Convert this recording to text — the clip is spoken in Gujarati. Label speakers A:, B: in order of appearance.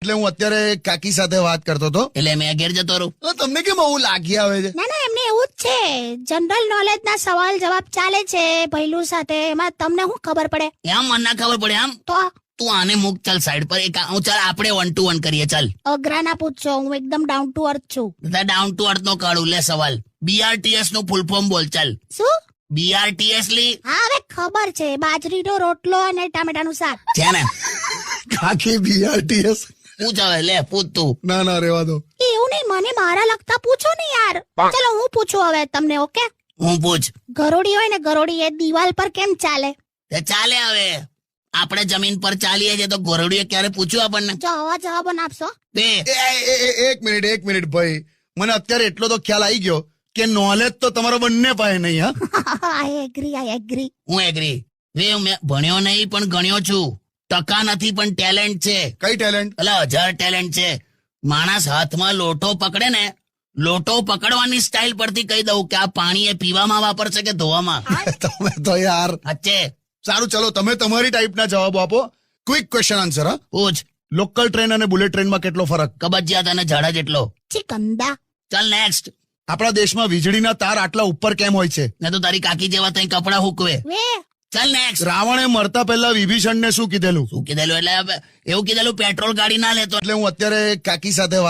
A: એટલે હું અત્યારે કાકી સાથે વાત કરતો હતો.
B: એટલે મેં ઘેર જતો રહું.
A: તો તમને કેમ આવું લાગી આવે છે?
C: ના ના એમને એવું જ છે, જનરલ નોલેજ ના સવાલ જવાબ ચાલે છે ભૈલું સાથે, એમાં તમને શું ખબર પડે?
B: એમ મને ના ખબર પડે આમ.
C: તો
B: તું આને મૂક, ચાલ સાઈડ પર. હું ચાલ આપણે 1 to 1 કરીએ. ચાલ
C: અઘરા ના પૂછજો, હું એકદમ ડાઉન ટુ અર્થ છું.
B: ડાઉન ટુ અર્થ નો કાઢું. લે સવાલ. BRTS નું ફૂલ ફોર્મ બોલ. ચાલ
C: શું?
B: BRTS લી.
C: હા હવે ખબર છે, બાજરીનો રોટલો અને ટામેટાનું શાક
B: છે ને?
A: કાકી BRTS?
B: પૂછ હવે, લે પૂછ તું.
A: ના ના રેવા દો.
C: એવું નહીં, મને મારા લગતા પૂછો ને યાર. ચલો હું પૂછું હવે તમને. ઓકે,
B: હું પૂછ.
C: ગરોડી હોય ને, ગરોડી એ દિવાલ પર કેમ ચાલે?
B: તે ચાલે. હવે આપણે જમીન પર ચાલીએ છીએ તો ગોરડીએ ક્યારે પૂછ્યું આપણને?
C: જો આવા જવાબો ના આપશો.
B: તે
A: એક મિનિટ ભાઈ, મને અત્યારે એટલો તો ખ્યાલ આવી ગયો કે નોલેજ તો તમારો બંને પાસે નહીં. હા,
C: આઈ એગ્રી.
B: હું એગ્રી. મેં ભણ્યો નહીં પણ ગણ્યો છું. ટકા નથી પણ ટેલેન્ટ છે.
A: કઈ ટેલેન્ટ?
B: એટલે 1000 ટેલેન્ટ છે. માણસ હાથમાં લોટો પકડે ને, લોટો પકડવાની સ્ટાઇલ પરથી કહી દઉં કે આ પાણી એ પીવામાં વાપરશે કે ધોવામાં.
A: તમે તો યાર.
B: અચ્છે
A: સારું, ચલો તમે તમારી ટાઈપના જવાબો આપો. Quick question answer. હા,
B: પૂછ.
A: લોકલ ટ્રેન અને બુલેટ ટ્રેનમાં કેટલો ફરક?
B: કબજિયાત અને ઝાડા જેટલો.
C: ચિકંદા.
B: ચાલ નેક્સ્ટ.
A: આપણા દેશમાં વીજળીના તાર આટલા ઉપર કેમ હોય છે?
B: ને તો તારી કાકી જેવા તઈ કપડા હુકવે.
C: વે
B: ચાલ નેક્સ્ટ.
A: રાવણે મરતા પહેલા વિભીષણને શું કીધેલું?
B: શું કીધેલું? એટલે એવું કીધેલું પેટ્રોલ ગાડી ના લેતો.
A: એટલે હું અત્યારે કાકી સાથે